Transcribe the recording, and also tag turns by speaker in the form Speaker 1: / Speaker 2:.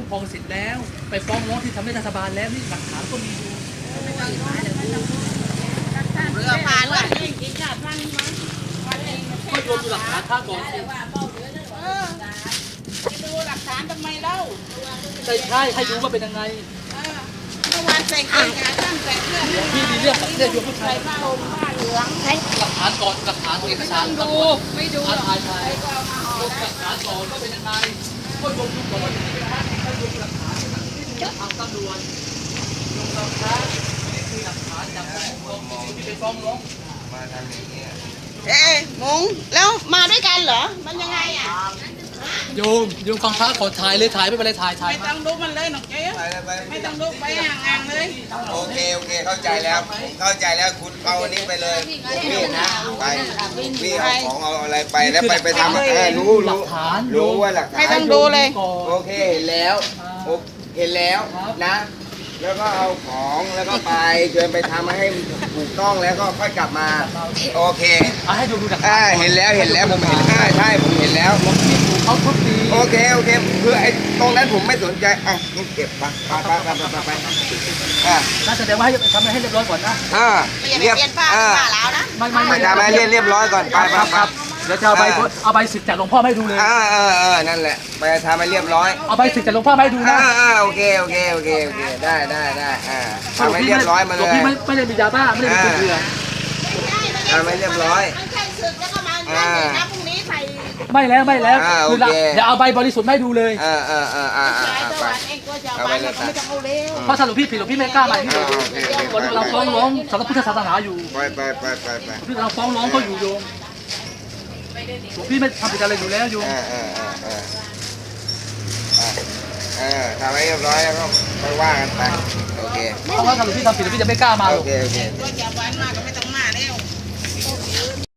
Speaker 1: ครองสิทธิ์แล้วไปฟ้องร้องที่ทำให้รัฐบาลแล้วนี่หลักฐานก็มีอยู่
Speaker 2: เรือพานว่ะ
Speaker 1: ก็โยนดูหลักฐานข้าก่อนสิ
Speaker 2: ไปดูหลักฐานทำไมเล่า
Speaker 1: ใช่ให้รู้ว่าเป็นยังไง
Speaker 2: เมื่อวานใส่เกงขาตั้งแต่เพื่อน
Speaker 1: พี่มีเรื่องกับเรื่องโยมผู้ชา
Speaker 2: ใส่
Speaker 1: ย
Speaker 2: ผ้าห่มผ้าเหลือง
Speaker 1: หลักฐานก่อนหลักฐานเอกสาร
Speaker 2: ดูไม่ดูหรอก
Speaker 1: ถ่าย
Speaker 2: ใครก็เอามาห่อ
Speaker 1: หลักฐานก่อนว่าเป็นยังไงก็โยมดูก่อนว่าจะเป็นยังไงก็โยมหลักฐานที่ทางตำรวจโยมหลักฐานนี่คือหลักฐานจากที่ไปฟ้องร้อง
Speaker 3: มาทางนี้เนี่ย
Speaker 2: เอ๊ะมงแล้วมาด้วยกันเหรอมันยังไงอ่ะ
Speaker 1: โยมฟังพระขอถ่ายเลยถ่ายไม่เป็นไรถ่าย
Speaker 2: ไม่ต้องดูมันเลยหนอกเจ๊
Speaker 3: ไปเลยไป
Speaker 2: ไม่ต้องดูไปห่างๆเลย
Speaker 3: โอเคเข้าใจแล้วเข้าใจแล้วคุณเอาอันนี้ไปเลยพี่นะไปพี่เอาของเอาอะไรไปแล้วไปทำรู้ว่าหลักฐาน
Speaker 2: ไม่ต้องดูเลย
Speaker 3: โอเคเห็นแล้วเห็นแล้วนะ แล้วก็เอาของแล้วก็ไปเชิญไปทำให้ถูกต้องแล้วก็ค่อยกลับมาโอเค
Speaker 1: ให้ดูหลักฐาน
Speaker 3: เห็นแล้วผมเห็นใช่ผมเห็นแล้ว
Speaker 1: เขาทุบตี
Speaker 3: โอเคคือไอ้ตรงนั้นผมไม่สนใจงั้นเก็บไป
Speaker 1: น่าแสดงว่าให้ทำให้เรียบร้อยก่อนนะ
Speaker 2: อย่าไปเปลี่ยนป้าป้าแล้วนะ
Speaker 3: ไม่ทำให้เรียบร้อยก่อนไป
Speaker 1: เดี๋ยวจะเอาใบสิทธิ์จากหลวงพ่อให้ดูเลย
Speaker 3: นั่นแหละไปทำให้เรียบร้อย
Speaker 1: เอาใบสิทธิ์จากหลวงพ่อให้ดูนะ
Speaker 3: โอเคได้ทำให้เรียบร้อยมาเลย
Speaker 1: พี่ไม่ได้มียาบ้าไม่ได้มีเกลือ
Speaker 3: ทำให้เรียบร้อย
Speaker 2: มันแค่ศึกแล้วก็มานะพรุ่งนี้ใส่
Speaker 1: ไม่แล้วคือเดี๋ยวเอาใบบริสุทธิ์ให้ดูเลย
Speaker 2: ใช้ตะวันเองก็จะเอาไปไม่ต้องเอาเร็ว
Speaker 1: เพราะถ้าหลวงพี่ผิดหลวงพี่ไม่กล้ามาที่เราฟ้องร้องสำนักพุทธศาสนาอยู่
Speaker 3: ไป
Speaker 1: ที่เราฟ้องร้องเขาอยู่โยมหลวงพี่ไม่ทำผิดอะไรอยู่แล้วโยม
Speaker 3: ทำให้เรียบร้อยแล้วก็ค่อยว่ากันไปโอเค
Speaker 1: เพราะว่าถ้าหลวงพี่ทำผิดหลวงพี่จะไม่กล้ามาหรอก
Speaker 3: โอเค
Speaker 2: ก็จะวันมากก็ไม่ต้อง